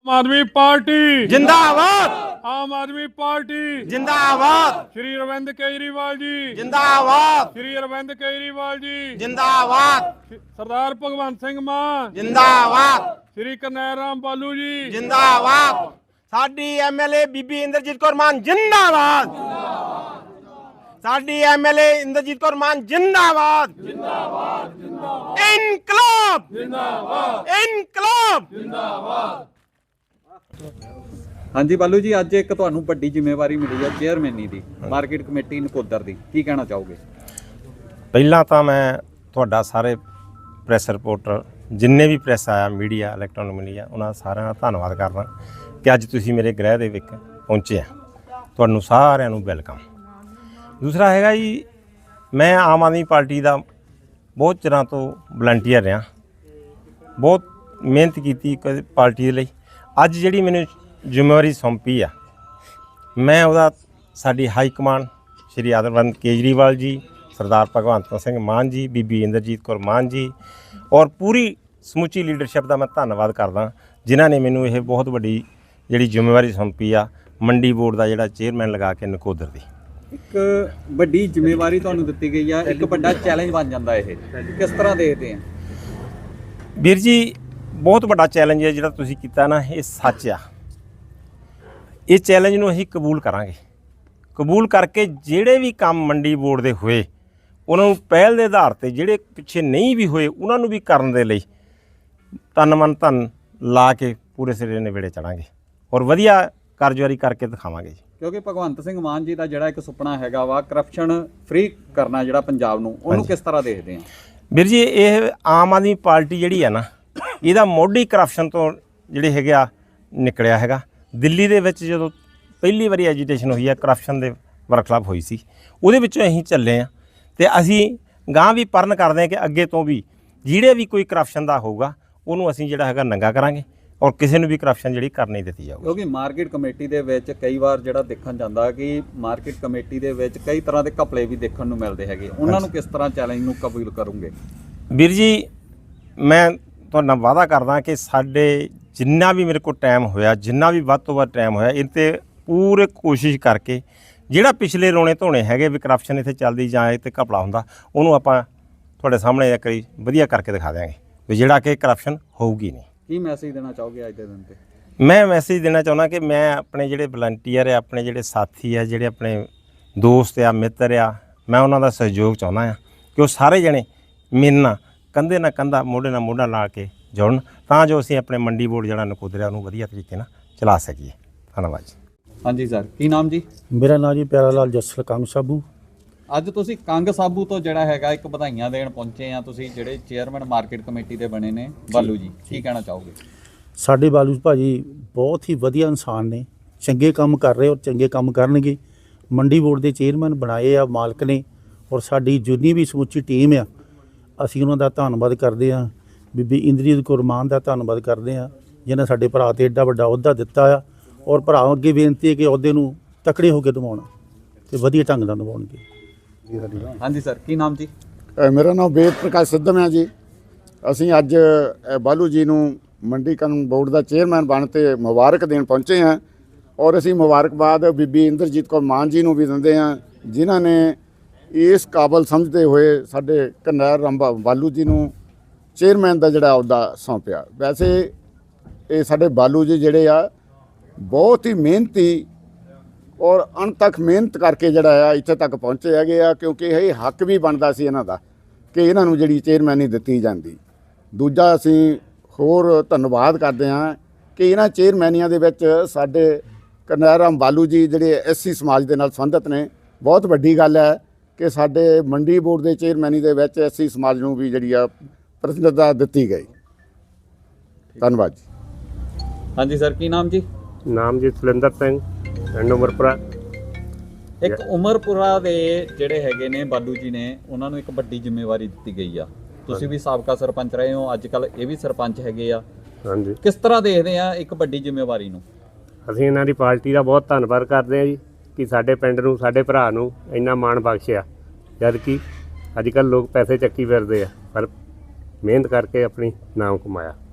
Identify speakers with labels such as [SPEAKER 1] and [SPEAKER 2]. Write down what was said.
[SPEAKER 1] आम आदमी पार्टी
[SPEAKER 2] जिंदाबाद।
[SPEAKER 1] आम आदमी पार्टी
[SPEAKER 2] जिंदाबाद।
[SPEAKER 1] श्री अरविंद केजरीवाल जी
[SPEAKER 2] जिंदाबाद।
[SPEAKER 1] श्री अरविंद केजरीवाल जी
[SPEAKER 2] जिंदाबाद।
[SPEAKER 1] सरदार भगवंत सिंह मान
[SPEAKER 2] जिंदाबाद।
[SPEAKER 1] श्री करनैल राम बालू जी
[SPEAKER 2] जिंदाबाद। साडी एमएलए बीबी इंद्रजीत कौर मान जिंदाबाद। साडी एमएलए इंद्रजीत कौर मान जिंदाबाद। इनकलाब इनकलाब।
[SPEAKER 3] हाँ जी बालू जी, अज एक तुहानू वड्डी जिम्मेवारी मिली है चेयरमैनी दी मार्केट कमेटी नकोदर दी, की कहना चाहोगे?
[SPEAKER 4] ਪਹਿਲਾਂ ਤਾਂ ਮੈਂ ਤੁਹਾਡਾ ਸਾਰੇ ਪ੍ਰੈਸ ਰਿਪੋਰਟਰ ਜਿੰਨੇ ਵੀ ਪ੍ਰੈਸ ਆਇਆ ਮੀਡੀਆ ਇਲੈਕਟ੍ਰੋਨਿਕ ਮੀਡੀਆ ਉਹਨਾਂ ਸਾਰਿਆਂ ਦਾ ਧੰਨਵਾਦ ਕਰਦਾ ਕਿ ਅੱਜ ਤੁਸੀਂ ਮੇਰੇ ਗ੍ਰਹਿ ਦੇ ਵਿੱਚ ਪਹੁੰਚੇ ਆ। ਤੁਹਾਨੂੰ ਸਾਰਿਆਂ ਨੂੰ ਵੈਲਕਮ। ਦੂਸਰਾ ਹੈਗਾ ਜੀ, ਮੈਂ ਆਮ ਆਦਮੀ ਪਾਰਟੀ ਦਾ ਬਹੁਤ ਚਿਰਾਂ ਤੋਂ ਵਲੰਟੀਅਰ ਰਿਹਾ, ਬਹੁਤ ਮਿਹਨਤ ਕੀਤੀ ਪਾਰਟੀ ਦੇ ਲਈ। ਅੱਜ ਜਿਹੜੀ ਮੈਨੂੰ ਜ਼ਿੰਮੇਵਾਰੀ ਸੌਂਪੀ ਆ, ਮੈਂ ਉਹਦਾ ਸਾਡੀ ਹਾਈ ਕਮਾਂਡ ਸ਼੍ਰੀ ਅਰਵਿੰਦ ਕੇਜਰੀਵਾਲ ਜੀ, ਸਰਦਾਰ ਭਗਵੰਤ ਸਿੰਘ ਮਾਨ ਜੀ, ਬੀਬੀ ਇੰਦਰਜੀਤ ਕੌਰ ਮਾਨ ਜੀ ਔਰ ਪੂਰੀ ਸਮੁੱਚੀ ਲੀਡਰਸ਼ਿਪ ਦਾ ਮੈਂ ਧੰਨਵਾਦ ਕਰਦਾ ਜਿਨ੍ਹਾਂ ਨੇ ਮੈਨੂੰ ਇਹ ਬਹੁਤ ਵੱਡੀ ਜਿਹੜੀ ਜ਼ਿੰਮੇਵਾਰੀ ਸੌਂਪੀ ਆ ਮੰਡੀ ਬੋਰਡ ਦਾ ਜਿਹੜਾ ਚੇਅਰਮੈਨ ਲਗਾ ਕੇ ਨਕੋਦਰ ਦੀ।
[SPEAKER 3] ਇੱਕ ਵੱਡੀ ਜ਼ਿੰਮੇਵਾਰੀ ਤੁਹਾਨੂੰ ਦਿੱਤੀ ਗਈ ਆ, ਇੱਕ ਵੱਡਾ ਚੈਲੰਜ ਬਣ ਜਾਂਦਾ ਇਹ, ਕਿਸ ਤਰ੍ਹਾਂ ਦੇਖਦੇ ਆ?
[SPEAKER 4] ਵੀਰ ਜੀ, ਬਹੁਤ ਵੱਡਾ ਚੈਲੰਜ ਹੈ ਜਿਹੜਾ ਤੁਸੀਂ ਕੀਤਾ ਨਾ, ਇਹ ਸੱਚ ਆ। ਇਹ ਚੈਲੰਜ ਨੂੰ ਅਸੀਂ ਕਬੂਲ ਕਰਾਂਗੇ। ਕਬੂਲ ਕਰਕੇ ਜਿਹੜੇ ਵੀ ਕੰਮ ਮੰਡੀ ਬੋਰਡ ਦੇ ਹੋਏ ਉਹਨਾਂ ਨੂੰ ਪਹਿਲ ਦੇ ਆਧਾਰ ਤੇ, ਜਿਹੜੇ ਪਿੱਛੇ ਨਹੀਂ ਵੀ ਹੋਏ ਉਹਨਾਂ ਨੂੰ ਵੀ ਕਰਨ ਦੇ ਲਈ ਤਨ ਮਨ ਧਨ ਲਾ ਕੇ ਪੂਰੇ ਸਿਰੇ ਨੇੜੇ ਚੜਾਂਗੇ ਔਰ ਵਧੀਆ ਕਾਰਜਕਾਰੀ ਕਰਕੇ ਦਿਖਾਵਾਂਗੇ ਜੀ।
[SPEAKER 3] ਕਿਉਂਕਿ ਭਗਵੰਤ ਸਿੰਘ ਮਾਨ ਜੀ ਦਾ ਜਿਹੜਾ ਇੱਕ ਸੁਪਨਾ ਹੈਗਾ ਵਾ ਕਰਪਸ਼ਨ ਫ੍ਰੀ ਕਰਨਾ ਜਿਹੜਾ ਪੰਜਾਬ ਨੂੰ, ਉਹਨੂੰ ਕਿਸ ਤਰ੍ਹਾਂ ਦੇਖਦੇ ਆ? ਵੀਰ
[SPEAKER 4] ਜੀ, ਇਹ ਆਮ ਆਦਮੀ ਪਾਰਟੀ ਜਿਹੜੀ ਆ ਨਾ, ਇਹਦਾ ਮੋਢੀ ਕਰਪਸ਼ਨ ਤੋਂ ਜਿਹੜੇ ਹੈਗੇ ਆ ਨਿਕਲਿਆ ਹੈਗਾ। ਦਿੱਲੀ ਦੇ ਵਿੱਚ ਜਦੋਂ ਪਹਿਲੀ ਵਾਰੀ ਐਜੀਟੇਸ਼ਨ ਹੋਈ ਆ, ਕਰਪਸ਼ਨ ਦੇ ਵਰਕਸ਼ਾਪ ਹੋਈ ਸੀ, ਉਹਦੇ ਵਿੱਚੋਂ ਅਸੀਂ ਚੱਲੇ ਆ ਤੇ ਅਸੀਂ ਗਾਂ ਵੀ ਪਰਨ ਕਰਦੇ ਹਾਂ ਕਿ ਅੱਗੇ ਤੋਂ ਵੀ ਜਿਹੜੇ ਵੀ ਕੋਈ ਕਰਪਸ਼ਨ ਦਾ ਹੋਊਗਾ ਉਹਨੂੰ ਅਸੀਂ ਜਿਹੜਾ ਹੈਗਾ ਨੰਗਾ ਕਰਾਂਗੇ ਔਰ ਕਿਸੇ ਨੂੰ ਵੀ ਕਰਪਸ਼ਨ ਜਿਹੜੀ ਕਰ ਨਹੀਂ ਦਿੱਤੀ ਜਾਊਗੀ।
[SPEAKER 3] ਕਿਉਂਕਿ ਮਾਰਕੀਟ ਕਮੇਟੀ ਦੇ ਵਿੱਚ ਕਈ ਵਾਰ ਜਿਹੜਾ ਦੇਖਣ ਜਾਂਦਾ ਕਿ ਮਾਰਕੀਟ ਕਮੇਟੀ ਦੇ ਵਿੱਚ ਕਈ ਤਰ੍ਹਾਂ ਦੇ ਘਪਲੇ ਵੀ ਦੇਖਣ ਨੂੰ ਮਿਲਦੇ ਹੈਗੇ, ਉਹਨਾਂ ਨੂੰ ਕਿਸ ਤਰ੍ਹਾਂ ਚੈਲੰਜ ਨੂੰ ਕਬੂਲ ਕਰੋਗੇ?
[SPEAKER 4] ਵੀਰ ਜੀ, ਮੈਂ ਤੁਹਾਡੇ ਨਾਲ ਵਾਅਦਾ ਕਰਦਾ ਕਿ ਸਾਡੇ ਜਿੰਨਾ ਵੀ ਮੇਰੇ ਕੋਲ ਟਾਈਮ ਹੋਇਆ, ਜਿੰਨਾ ਵੀ ਵੱਧ ਤੋਂ ਵੱਧ ਟਾਈਮ ਹੋਇਆ, ਇਹ 'ਤੇ ਪੂਰੇ ਕੋਸ਼ਿਸ਼ ਕਰਕੇ ਜਿਹੜਾ ਪਿਛਲੇ ਰੋਣੇ ਧੋਣੇ ਹੈਗੇ ਵੀ ਕਰਪਸ਼ਨ ਇੱਥੇ ਚੱਲਦੀ ਜਾਂ ਇਹ 'ਤੇ ਘਪਲਾ ਹੁੰਦਾ, ਉਹਨੂੰ ਆਪਾਂ ਤੁਹਾਡੇ ਸਾਹਮਣੇ ਇੱਕ ਵਾਰੀ ਵਧੀਆ ਕਰਕੇ ਦਿਖਾ ਦਿਆਂਗੇ ਵੀ ਜਿਹੜਾ ਕਿ ਕਰਪਸ਼ਨ ਹੋਊਗੀ ਨਹੀਂ।
[SPEAKER 3] ਕੀ ਮੈਸੇਜ ਦੇਣਾ ਚਾਹੋਗੇ ਅੱਜ ਦੇ ਦਿਨ 'ਤੇ?
[SPEAKER 4] ਮੈਂ ਮੈਸੇਜ ਦੇਣਾ ਚਾਹੁੰਦਾ ਕਿ ਮੈਂ ਆਪਣੇ ਜਿਹੜੇ ਵਲੰਟੀਅਰ ਆ, ਆਪਣੇ ਜਿਹੜੇ ਸਾਥੀ ਆ, ਜਿਹੜੇ ਆਪਣੇ ਦੋਸਤ ਆ, ਮਿੱਤਰ ਆ, ਮੈਂ ਉਹਨਾਂ ਦਾ ਸਹਿਯੋਗ ਚਾਹੁੰਦਾ ਆ ਕਿ ਉਹ ਸਾਰੇ ਜਣੇ ਮੇਰੇ ਨਾਲ ਕੰਧੇ ਨਾਲ ਕੰਧਾ, ਮੋਢੇ ਨਾਲ ਮੋਢਾ ਲਾ ਕੇ ਜੁੜਨ ਤਾਂ ਜੋ ਅਸੀਂ ਆਪਣੇ ਮੰਡੀ ਬੋਰਡ ਜਿਹੜਾ ਨਕੋਦਰਿਆ ਉਹਨੂੰ ਵਧੀਆ ਤਰੀਕੇ ਨਾਲ ਚਲਾ ਸਕੀਏ। ਧੰਨਵਾਦ ਜੀ।
[SPEAKER 3] ਹਾਂਜੀ ਸਰ, ਕੀ ਨਾਮ ਜੀ?
[SPEAKER 5] ਮੇਰਾ ਨਾਮ ਜੀ ਪਿਆਰਾ ਲਾਲ ਜੱਸਲ ਕੰਗ ਸਾਬੂ।
[SPEAKER 3] ਅੱਜ ਤੁਸੀਂ ਕੰਗ ਸਾਬੂ ਤੋਂ ਜਿਹੜਾ ਹੈਗਾ ਇੱਕ ਵਧਾਈਆਂ ਦੇਣ ਪਹੁੰਚੇ ਆ, ਤੁਸੀਂ ਜਿਹੜੇ ਚੇਅਰਮੈਨ ਮਾਰਕੀਟ ਕਮੇਟੀ ਦੇ ਬਣੇ ਨੇ ਬਾਲੂ ਜੀ, ਕੀ ਕਹਿਣਾ ਚਾਹੋਗੇ?
[SPEAKER 5] ਸਾਡੇ ਬਾਲੂ ਭਾਜੀ ਬਹੁਤ ਹੀ ਵਧੀਆ ਇਨਸਾਨ ਨੇ, ਚੰਗੇ ਕੰਮ ਕਰ ਰਹੇ ਔਰ ਚੰਗੇ ਕੰਮ ਕਰਨਗੇ। ਮੰਡੀ ਬੋਰਡ ਦੇ ਚੇਅਰਮੈਨ ਬਣਾਏ ਆ ਮਾਲਕ ਨੇ ਔਰ ਸਾਡੀ ਜਿੰਨੀ ਵੀ ਸਮੁੱਚੀ ਟੀਮ ਆ, ਅਸੀਂ ਉਹਨਾਂ ਦਾ ਧੰਨਵਾਦ ਕਰਦੇ ਹਾਂ। ਬੀਬੀ ਇੰਦਰਜੀਤ ਕੌਰ ਮਾਨ ਦਾ ਧੰਨਵਾਦ ਕਰਦੇ ਹਾਂ ਜਿਹਨੇ ਸਾਡੇ ਭਰਾ 'ਤੇ ਐਡਾ ਵੱਡਾ ਅਹੁਦਾ ਦਿੱਤਾ ਆ ਔਰ ਭਰਾ ਅੱਗੇ ਬੇਨਤੀ ਹੈ ਕਿ ਅਹੁਦੇ ਨੂੰ ਤਕੜੇ ਹੋ ਕੇ ਨਿਭਾਉਣ ਤੇ ਵਧੀਆ ਢੰਗ ਨਾਲ ਨਿਭਾਉਣਗੇ।
[SPEAKER 3] ਹਾਂਜੀ ਸਰ, ਕੀ ਨਾਮ ਜੀ?
[SPEAKER 6] ਮੇਰਾ ਨਾਮ ਵੇਦ ਪ੍ਰਕਾਸ਼ ਸਿੱਧਮ ਹੈ ਜੀ। ਅਸੀਂ ਅੱਜ ਬਾਲੂ ਜੀ ਨੂੰ ਮੰਡੀ ਕਾਨੂੰਨ ਬੋਰਡ ਦਾ ਚੇਅਰਮੈਨ ਬਣ ਤੇ ਮੁਬਾਰਕ ਦੇਣ ਪਹੁੰਚੇ ਹਾਂ ਔਰ ਅਸੀਂ ਮੁਬਾਰਕਬਾਦ ਬੀਬੀ ਇੰਦਰਜੀਤ ਕੌਰ ਮਾਨ ਜੀ ਨੂੰ ਵੀ ਦਿੰਦੇ ਹਾਂ ਜਿਨ੍ਹਾਂ ਨੇ ਇਸ ਕਾਬਲ ਸਮਝਦੇ ਹੋਏ ਸਾਡੇ ਕਰਨੈਲ ਰਾਮ ਬਾਲੂ ਜੀ ਨੂੰ ਚੇਅਰਮੈਨ ਦਾ ਜਿਹੜਾ ਅਹੁਦਾ ਸੌਂਪਿਆ। ਵੈਸੇ ਇਹ ਸਾਡੇ ਬਾਲੂ ਜੀ ਜਿਹੜੇ ਆ ਬਹੁਤ ਹੀ ਮਿਹਨਤੀ ਔਰ ਅਣਥੱਕ ਮਿਹਨਤ ਕਰਕੇ ਜਿਹੜਾ ਆ ਇੱਥੇ ਤੱਕ ਪਹੁੰਚੇ ਹੈਗੇ ਆ, ਕਿਉਂਕਿ ਇਹ ਹੱਕ ਵੀ ਬਣਦਾ ਸੀ ਇਹਨਾਂ ਦਾ ਕਿ ਇਹਨਾਂ ਨੂੰ ਜਿਹੜੀ ਚੇਅਰਮੈਨੀ ਦਿੱਤੀ ਜਾਂਦੀ। ਦੂਜਾ ਅਸੀਂ ਹੋਰ ਧੰਨਵਾਦ ਕਰਦੇ ਹਾਂ ਕਿ ਇਹਨਾਂ ਚੇਅਰਮੈਨੀਆਂ ਦੇ ਵਿੱਚ ਸਾਡੇ ਕਰਨੈਲ ਰਾਮ ਬਾਲੂ ਜੀ ਜਿਹੜੇ ਐਸਸੀ ਸਮਾਜ ਦੇ ਨਾਲ ਸੰਬੰਧਿਤ ਨੇ। ਬਹੁਤ ਵੱਡੀ ਗੱਲ ਹੈ ਕਿ ਸਾਡੇ ਮੰਡੀ ਬੋਰਡ ਦੇ ਚੇਅਰਮੈਨੀ ਦੇ ਵਿੱਚ ਐਸਸੀ ਸਮਾਜ ਨੂੰ ਵੀ ਜਿਹੜੀ ਆ ਪ੍ਰਤੀਨਿਧਤਾ ਦਿੱਤੀ ਗਈ। ਧੰਨਵਾਦ ਜੀ।
[SPEAKER 3] ਹਾਂਜੀ ਸਰ, ਕੀ ਨਾਮ ਜੀ?
[SPEAKER 7] ਨਾਮ ਜੀ ਸੁਲਿੰਦਰ ਸਿੰਘ, ਪਿੰਡ ਉਮਰਪੁਰਾ।
[SPEAKER 3] ਇੱਕ ਉਮਰਪੁਰਾ ਦੇ ਜਿਹੜੇ ਹੈਗੇ ਨੇ ਬਾਲੂ ਜੀ ਨੇ, ਉਹਨਾਂ ਨੂੰ ਇੱਕ ਵੱਡੀ ਜ਼ਿੰਮੇਵਾਰੀ ਦਿੱਤੀ ਗਈ ਆ। ਤੁਸੀਂ ਵੀ ਸਾਬਕਾ ਸਰਪੰਚ ਰਹੇ ਹੋ, ਅੱਜ ਕੱਲ ਇਹ ਵੀ ਸਰਪੰਚ ਹੈਗੇ ਆ।
[SPEAKER 7] ਹਾਂਜੀ,
[SPEAKER 3] ਕਿਸ ਤਰ੍ਹਾਂ ਦੇਖਦੇ ਆ ਇੱਕ ਵੱਡੀ ਜ਼ਿੰਮੇਵਾਰੀ ਨੂੰ?
[SPEAKER 7] ਅਸੀਂ ਇਹਨਾਂ ਦੀ ਪਾਰਟੀ ਦਾ ਬਹੁਤ ਧੰਨਵਾਦ ਕਰਦੇ ਹਾਂ ਜੀ ਕਿ ਸਾਡੇ ਪਿੰਡ ਨੂੰ, ਸਾਡੇ ਭਰਾ ਨੂੰ ਇੰਨਾ ਮਾਣ ਬਖਸ਼ਿਆ। ਜਦ ਕਿ ਅੱਜ ਕੱਲ੍ਹ ਲੋਕ ਪੈਸੇ ਚੱਕੀ ਫਿਰਦੇ ਆ, ਪਰ ਮਿਹਨਤ ਕਰਕੇ ਆਪਣੀ ਨਾਮ ਕਮਾਇਆ।